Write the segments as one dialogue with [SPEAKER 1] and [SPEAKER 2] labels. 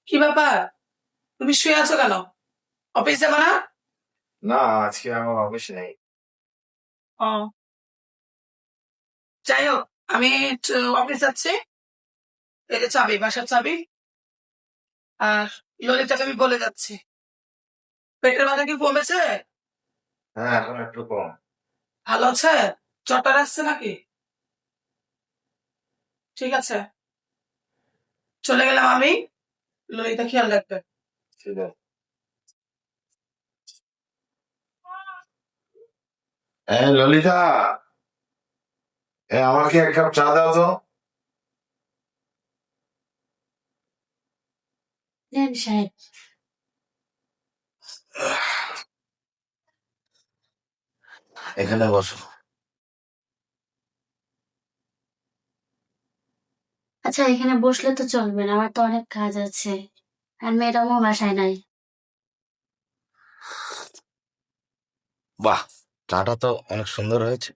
[SPEAKER 1] কি ব্যাপার? তুমি শুয়ে আছো কেন? অফিস যাবে না?
[SPEAKER 2] না, আজকে আমার অফিস নেই।
[SPEAKER 1] ও, যাই হোক, আমি একটু অফিস যাচ্ছি। এটা চাবি, বাসার চাবি। আর ললিতাকে আমি বলে যাচ্ছি। পেটের ব্যথা কি কমেছে?
[SPEAKER 2] হ্যাঁ, এখন একটু কম।
[SPEAKER 1] ভালো আছে? চটার আসছে নাকি? ঠিক আছে, চলে গেলাম আমি। ললিতা খেয়াল রাখবে।
[SPEAKER 2] ঠিক আছে। ললিতা, আমাকে এক কাপ চা দাও তো।
[SPEAKER 3] দেন সাহেব।
[SPEAKER 2] এখানে বসো।
[SPEAKER 3] আচ্ছা, এখানে বসলে তো চলবে না, আমার তো অনেক কাজ আছে। আর ম্যাডামও বাসায় নাই।
[SPEAKER 4] বাহ, চাটা তো অনেক সুন্দর হয়েছে।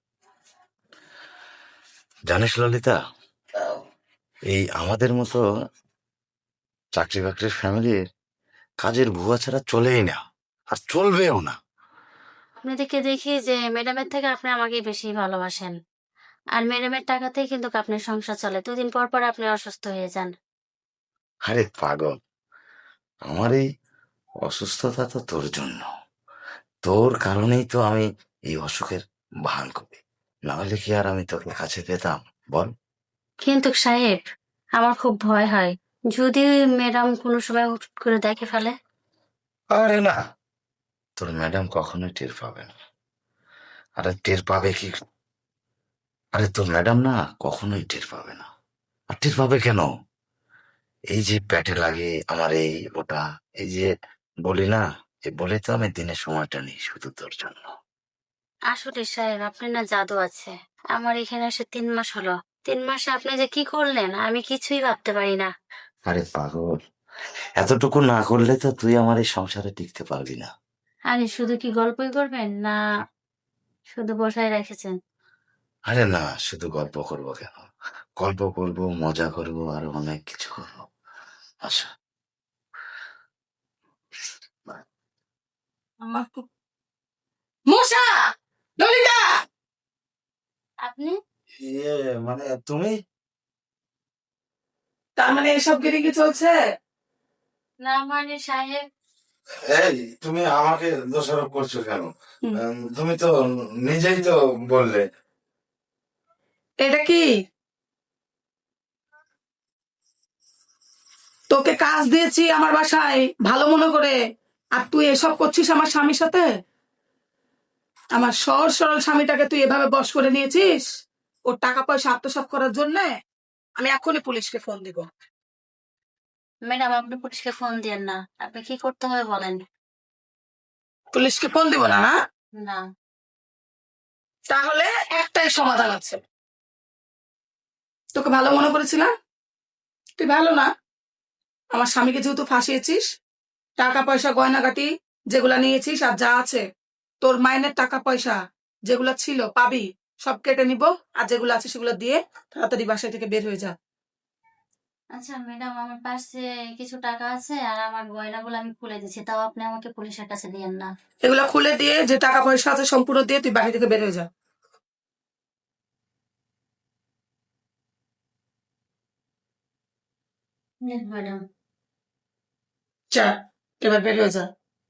[SPEAKER 4] জানিস ললিতা, এই আমাদের মতো চাকরি বাকরির ফ্যামিলির কাজের বুয়া ছাড়া চলেই না, আর চলবেও না।
[SPEAKER 3] আপনাদেরকে দেখি যে ম্যাডামের থেকে আপনি আমাকে বেশি ভালোবাসেন। আর ম্যাডামের টাকাতেই কিন্তু আপনার সংসার চলে, 2 দিন পর পর আপনি অসুস্থ হয়ে যান।
[SPEAKER 4] আরে পাগল, আমার এই অসুস্থতা তো তোর জন্য। তোর কারণেই তো আমি এই অসুখের ভান করি, না হলে কি আর আমি তোকে কাছে পেতাম বল?
[SPEAKER 3] কিন্তু সাহেব, আমার খুব ভয় হয়, যদি ম্যাডাম কোনো সময় হুট করে দেখে ফেলে।
[SPEAKER 4] আরে না, তোর ম্যাডাম কখনোই টের পাবে না। আরে টের পাবে কি? আরে তোর ম্যাডাম না কখনোই টের পাবে না। আর টের পাবে কেন? এই যে পেটে লাগে আমার এই ওটা, এই যে বলি না, এই বলে তো আমি দিনের সময়টা নিই শুধু তোর জন্য।
[SPEAKER 3] আসলে সাহেব, আপনার না জাদু আছে। আমার এখানে এসে 3 মাস হলো। 3 মাসে আপনি যে কি করলেন আমি কিছুই ভাবতে পারি না।
[SPEAKER 4] আরে পাগল, এতটুকু না করলে তো তুই আমার এই সংসারে টিকতে পারবি না।
[SPEAKER 3] আরে শুধু কি গল্পই করবেন, না শুধু বসায় রেখেছেন?
[SPEAKER 4] আরে না, শুধু গল্প করবো কেন, গল্প করবো, মজা করবো, আর অনেক কিছু করবো। আচ্ছা।
[SPEAKER 1] মশা! ললিতা!
[SPEAKER 3] আপনি?
[SPEAKER 4] ইয়ে, মানে তুমি?
[SPEAKER 1] তার মানে এসব গিরি কি চলছে?
[SPEAKER 3] না মানে সাহেব,
[SPEAKER 2] এই, তুমি আমাকে দোষারোপ করছো কেন? তুমি তো নিজেই তো বললে।
[SPEAKER 1] এটা কি? তোকে কাজ দিয়েছি আমার বাসায় ভালো মনে করে, আর তুই এসব করছিস আমার স্বামীর সাথে? আমার সহজ সরল স্বামীটাকে তুই এভাবে বশ করে নিয়েছিস ওর টাকা পয়সা আত্মসাৎ করার জন্য। আমি এখনই পুলিশকে ফোন দিব।
[SPEAKER 3] ম্যাডাম আপনি পুলিশকে ফোন দিয়েন না, আপনি কি করতে হবে বলেন।
[SPEAKER 1] পুলিশকে ফোন দিব না, না?
[SPEAKER 3] না।
[SPEAKER 1] তাহলে একটাই সমাধান আছে। তোকে ভালো মনে করেছিলাম, তুই ভালো না। আমার স্বামীকে যেহেতু ফাঁসিয়েছিস, টাকা পয়সা গয়নাগাটি যেগুলা নিয়েছিস আর যা আছে, তোর মাইনের টাকা পয়সা যেগুলা ছিল পাবি, সব কেটে নিব। আর যেগুলো আছে সেগুলো দিয়ে তাড়াতাড়ি বাসায় থেকে বের হয়ে যা।
[SPEAKER 3] আচ্ছা ম্যাডাম, আমার পাশে কিছু টাকা আছে আর আমার গয়নাগুলো আমি খুলে দিচ্ছি, তাও আপনি আমাকে পুলিশের কাছে দিয়েন না।
[SPEAKER 1] এগুলা খুলে দিয়ে যে টাকা পয়সা আছে সম্পূর্ণ দিয়ে তুই বাড়ি থেকে বের হয়ে যা।
[SPEAKER 3] ম্যাডাম।
[SPEAKER 1] যা, এবার বের হয়ে যা।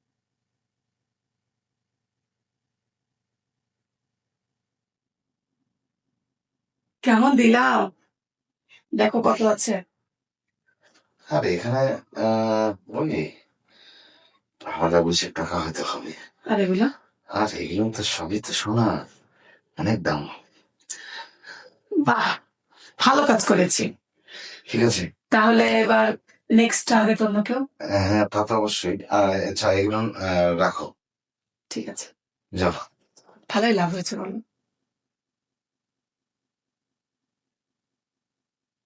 [SPEAKER 1] কেমন দিলাম? দেখো কত আছে।
[SPEAKER 4] আর এখানে ওই আলাদা বুঝে টাকা হয়তো হবে।
[SPEAKER 1] আর এগুলা?
[SPEAKER 4] আর এগুলো তো সবই তো সোনা, অনেক দাম।
[SPEAKER 1] বাহ, ভালো কাজ করেছি।
[SPEAKER 4] ঠিক আছে।
[SPEAKER 1] তাহলে এবার নেক্সট টার্গেট অন্য কেউ?
[SPEAKER 4] হ্যাঁ, তা তো অবশ্যই। আচ্ছা, এগুলো রাখো।
[SPEAKER 1] ঠিক আছে,
[SPEAKER 4] যাও।
[SPEAKER 1] ভালোই লাভ হয়েছে বলো।